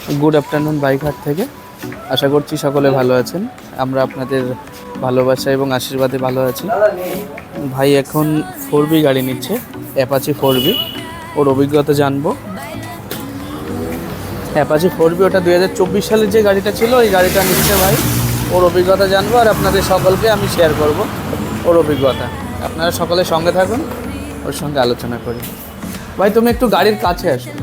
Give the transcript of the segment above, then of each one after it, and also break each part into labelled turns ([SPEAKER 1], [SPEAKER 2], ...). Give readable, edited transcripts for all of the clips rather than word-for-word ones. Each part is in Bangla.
[SPEAKER 1] গুড আফটারনুন বাইকহাট থেকে। আশা করছি সকলে ভালো আছেন। আমরা আপনাদের ভালোবাসা এবং আশীর্বাদে ভালো আছি। ভাই এখন 4B গাড়ি নিচ্ছে, অ্যাপাচি 4B। ওর অভিজ্ঞতা জানবো। অ্যাপাচি 4B ওটা 2024 সালের যে গাড়িটা ছিল, ওই গাড়িটা নিচ্ছে ভাই। ওর অভিজ্ঞতা জানবো আর আপনাদের সকলকে আমি শেয়ার করব ওর অভিজ্ঞতা। আপনারা সকলে সঙ্গে থাকুন, ওর সঙ্গে আলোচনা করি। ভাই তুমি একটু গাড়ির কাছে আসো।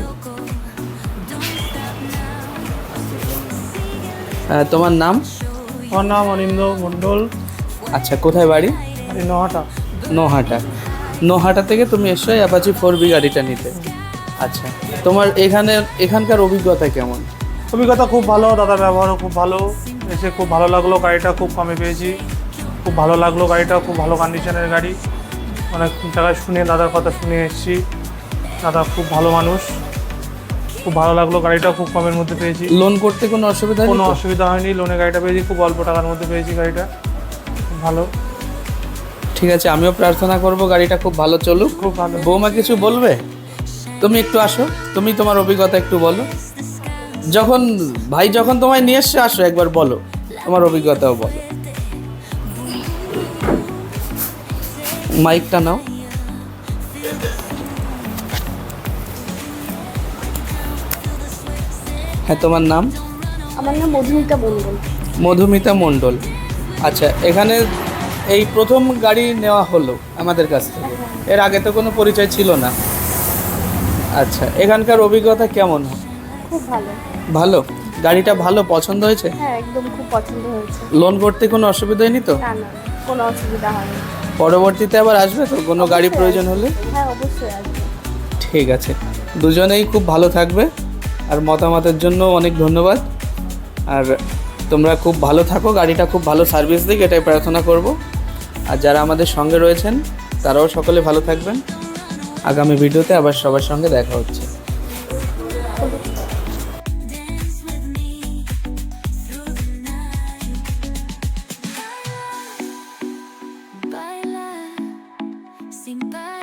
[SPEAKER 1] তোমার নাম?
[SPEAKER 2] আমার নাম অনিন্দ মণ্ডল।
[SPEAKER 1] আচ্ছা, কোথায় বাড়ি?
[SPEAKER 2] নহাটা।
[SPEAKER 1] নোহাটা থেকে তুমি এসছো অ্যাপাচি 4B গাড়িটা নিতে। আচ্ছা, তোমার এখানকার অভিজ্ঞতা কেমন?
[SPEAKER 2] অভিজ্ঞতা খুব ভালো, দাদার ব্যবহারও খুব ভালো। এসে খুব ভালো লাগলো, গাড়িটা খুব কমে পেয়েছি, খুব ভালো লাগলো। গাড়িটা খুব ভালো কন্ডিশনের গাড়ি। অনেক জায়গায় শুনে দাদার কথা শুনে এসেছি। দাদা খুব ভালো মানুষ, খুব ভালো লাগলো। গাড়িটা খুব কমের মধ্যে পেয়েছি।
[SPEAKER 1] লোন করতে কোনো অসুবিধা নেই?
[SPEAKER 2] কোনো অসুবিধা হয়নি, লোনে গাড়িটা পেয়েছি, খুব অল্প টাকার মধ্যে পেয়েছি গাড়িটা। খুব ভালো।
[SPEAKER 1] ঠিক আছে, আমিও প্রার্থনা করব গাড়িটা খুব ভালো চলুক।
[SPEAKER 2] খুব ভালো।
[SPEAKER 1] বৌমা কিছু বলবে? তুমি একটু আসো, তুমি তোমার অভিজ্ঞতা একটু বলো। যখন তোমায় নিয়ে এসছে, আসো একবার বলো, তোমার অভিজ্ঞতাও বলো। মাইকটা নাও। হ্যাঁ, তোমার নাম?
[SPEAKER 3] আমার নাম মধুমিতা মণ্ডল।
[SPEAKER 1] মধুমিতা মণ্ডল। আচ্ছা, এখানে এই প্রথম গাড়ি নেওয়া হলো আমাদের কাছ থেকে, এর আগে তো কোনো পরিচয় ছিল না। আচ্ছা, এখানকার অভিজ্ঞতা কেমন?
[SPEAKER 3] খুব ভালো।
[SPEAKER 1] ভালো। গাড়িটা ভালো পছন্দ হয়েছে?
[SPEAKER 3] হ্যাঁ, একদম খুব পছন্দ হয়েছে।
[SPEAKER 1] লোন করতে কোনো অসুবিধা হয়নি তো?
[SPEAKER 3] না না, কোনো অসুবিধা হয়নি।
[SPEAKER 1] পরবর্তীতে আবার আসবে তো কোনো গাড়ি প্রয়োজন হলে?
[SPEAKER 3] হ্যাঁ, অবশ্যই আসবে।
[SPEAKER 1] ঠিক আছে, দুজনেই খুব ভালো থাকবে। আর মতামতের জন্য অনেক ধন্যবাদ। আর তোমরা খুব ভালো থাকো, গাড়িটা খুব ভালো সার্ভিস দিক, এটাই প্রার্থনা করব। আর যারা আমাদের সঙ্গে রয়েছেন তারাও সকলে ভালো থাকবেন। আগামী ভিডিওতে আবার সবার সঙ্গে দেখা হচ্ছে।
[SPEAKER 4] Baila sin parar.